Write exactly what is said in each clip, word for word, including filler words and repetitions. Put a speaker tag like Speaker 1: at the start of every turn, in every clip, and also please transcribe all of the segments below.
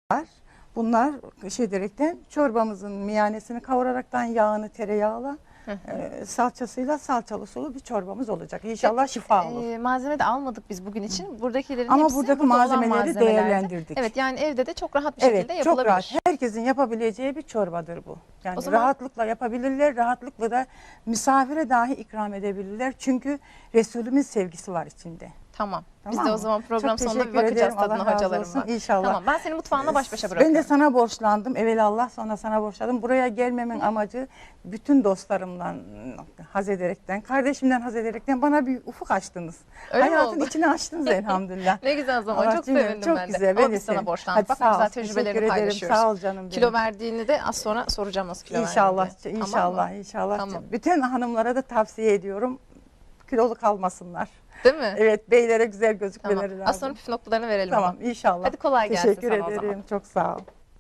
Speaker 1: var. Bunlar şey ederekten çorbamızın miyanesini kavuraraktan yağını tereyağla e, salçasıyla salçalı sulu bir çorbamız olacak. İnşallah şifa olur.
Speaker 2: E, malzeme de almadık biz bugün için. Buradakilerin
Speaker 1: Ama
Speaker 2: hepsi
Speaker 1: buradaki
Speaker 2: burada olan
Speaker 1: malzemeleri
Speaker 2: malzemelerdi.
Speaker 1: değerlendirdik.
Speaker 2: Evet, yani evde de çok rahat bir şekilde
Speaker 1: Evet, çok
Speaker 2: yapılabilir.
Speaker 1: rahat. Herkesin yapabileceği bir çorbadır bu. Yani
Speaker 2: O zaman-
Speaker 1: rahatlıkla yapabilirler, rahatlıkla da misafire dahi ikram edebilirler. Çünkü Resulümün sevgisi var içinde.
Speaker 2: Tamam. Biz
Speaker 1: Tamam
Speaker 2: de o
Speaker 1: mı?
Speaker 2: zaman program
Speaker 1: Çok
Speaker 2: sonunda bir
Speaker 1: teşekkür
Speaker 2: bakacağız
Speaker 1: ederim. Allah
Speaker 2: tadına
Speaker 1: razı
Speaker 2: hocalarımla.
Speaker 1: olsun. İnşallah.
Speaker 2: Tamam, ben seni mutfağına baş başa bırakıyorum.
Speaker 1: Ben de sana borçlandım. Evelallah sonra sana borçlandım. Buraya gelmemin amacı bütün dostlarımdan haz ederekten, kardeşimden haz ederekten bana bir ufuk açtınız.
Speaker 2: Öyle mi
Speaker 1: Hayatın
Speaker 2: oldu?
Speaker 1: içini açtınız elhamdülillah.
Speaker 2: Ne güzel zaman.
Speaker 1: Allah
Speaker 2: Çok
Speaker 1: cümle-
Speaker 2: sevindim
Speaker 1: çok
Speaker 2: ben de.
Speaker 1: güzel.
Speaker 2: Ama
Speaker 1: Ben de
Speaker 2: biz sana
Speaker 1: sevindim.
Speaker 2: borçlandık.
Speaker 1: Hadi
Speaker 2: Bak
Speaker 1: sağ ol.
Speaker 2: güzel
Speaker 1: Teşekkür
Speaker 2: tecrübelerini
Speaker 1: ederim.
Speaker 2: paylaşıyoruz.
Speaker 1: Sağ ol canım benim.
Speaker 2: Kilo verdiğini de az sonra soracağım nasıl kilo
Speaker 1: İnşallah,
Speaker 2: verdiğini diye.
Speaker 1: inşallah,
Speaker 2: Tamam mı?
Speaker 1: inşallah.
Speaker 2: Tamam.
Speaker 1: Bütün hanımlara da tavsiye ediyorum. Kilolu kalmasınlar.
Speaker 2: Değil mi?
Speaker 1: Evet, beylere güzel gözükmeleri
Speaker 2: Tamam.
Speaker 1: lazım.
Speaker 2: Az sonra püf noktalarını verelim
Speaker 1: Tamam,
Speaker 2: ama.
Speaker 1: inşallah.
Speaker 2: Hadi kolay gelsin
Speaker 1: Teşekkür
Speaker 2: sana o
Speaker 1: ederim.
Speaker 2: zaman.
Speaker 1: Çok sağ ol.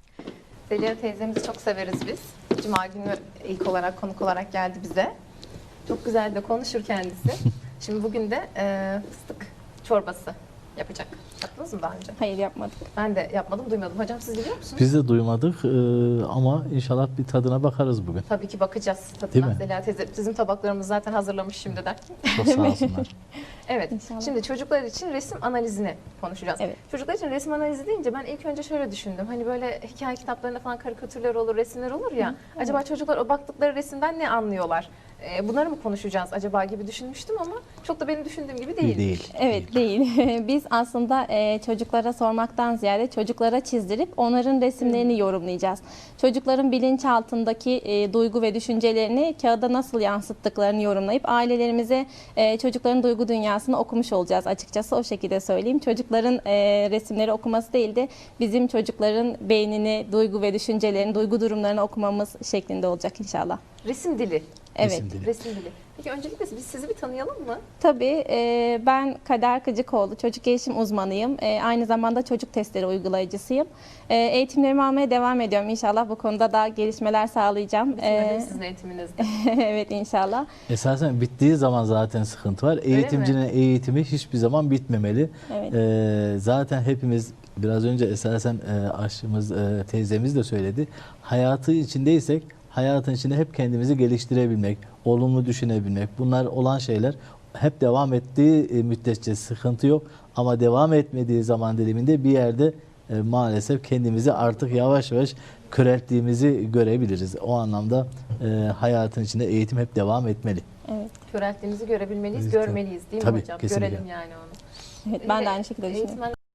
Speaker 2: Zeliha teyzemizi çok severiz biz. Cuma günü ilk olarak konuk olarak geldi bize. Çok güzel de konuşur kendisi. Şimdi bugün de e, fıstık çorbası yapacak. Yaptınız mı daha önce?
Speaker 3: Hayır, yapmadık.
Speaker 2: Ben de yapmadım, duymadım. Hocam siz biliyor musunuz?
Speaker 4: Biz de duymadık e, ama inşallah bir tadına bakarız bugün.
Speaker 2: Tabii ki bakacağız
Speaker 4: Değil
Speaker 2: tadına.
Speaker 4: mi?
Speaker 2: Zeliha teyze bizim tabaklarımızı zaten hazırlamış şimdiden.
Speaker 4: Çok sağ olsunlar.
Speaker 2: Evet.
Speaker 3: İnşallah.
Speaker 2: Şimdi çocuklar için resim analizini konuşacağız.
Speaker 3: Evet.
Speaker 2: Çocuklar için resim analizi deyince ben ilk önce şöyle düşündüm. Hani böyle hikaye kitaplarında falan karikatürler olur, resimler olur ya. Acaba çocuklar o baktıkları resimden ne anlıyorlar? Ee, bunları mı konuşacağız acaba gibi düşünmüştüm ama çok da benim düşündüğüm gibi değil.
Speaker 4: Değil.
Speaker 3: Evet, değil. Biz aslında e, çocuklara sormaktan ziyade çocuklara çizdirip onların resimlerini yorumlayacağız. Çocukların bilinçaltındaki e, duygu ve düşüncelerini kağıda nasıl yansıttıklarını yorumlayıp ailelerimize e, çocukların duygu dünyasını okumuş olacağız açıkçası, o şekilde söyleyeyim. Çocukların e, resimleri okuması değil de bizim çocukların beynini, duygu ve düşüncelerini, duygu durumlarını okumamız şeklinde olacak inşallah.
Speaker 2: Resim dili.
Speaker 3: Evet.
Speaker 4: Resim dili.
Speaker 2: Resim dili. Peki öncelikle biz sizi bir tanıyalım mı?
Speaker 3: Tabii, e, ben Kader Kıcıkoğlu, çocuk gelişim uzmanıyım. E, aynı zamanda çocuk testleri uygulayıcısıyım. E, eğitimlerimi almaya devam ediyorum. İnşallah bu konuda da gelişmeler sağlayacağım.
Speaker 2: Bitmedi
Speaker 3: E,
Speaker 2: sizin eğitiminizde.
Speaker 3: evet, inşallah.
Speaker 4: Esasen bittiği zaman zaten sıkıntı var. Eğitimcinin eğitimi hiçbir zaman bitmemeli.
Speaker 3: Evet.
Speaker 4: E, zaten hepimiz biraz önce esasen e, aşçımız, e, teyzemiz de söyledi. Hayatı içindeysek hayatın içinde hep kendimizi geliştirebilmek, olumlu düşünebilmek, bunlar olan şeyler hep devam ettiği e, müddetçe sıkıntı yok. Ama devam etmediği zaman diliminde bir yerde e, maalesef kendimizi artık yavaş yavaş körelttiğimizi görebiliriz. O anlamda e, hayatın içinde eğitim hep devam etmeli.
Speaker 3: Evet.
Speaker 2: Körelttiğimizi görebilmeliyiz,
Speaker 4: Evet,
Speaker 2: görmeliyiz değil mi
Speaker 4: tabii,
Speaker 2: hocam?
Speaker 4: kesinlikle.
Speaker 2: Görelim yani onu.
Speaker 3: Evet, ben de aynı şekilde düşünüyorum.
Speaker 2: Eğitmen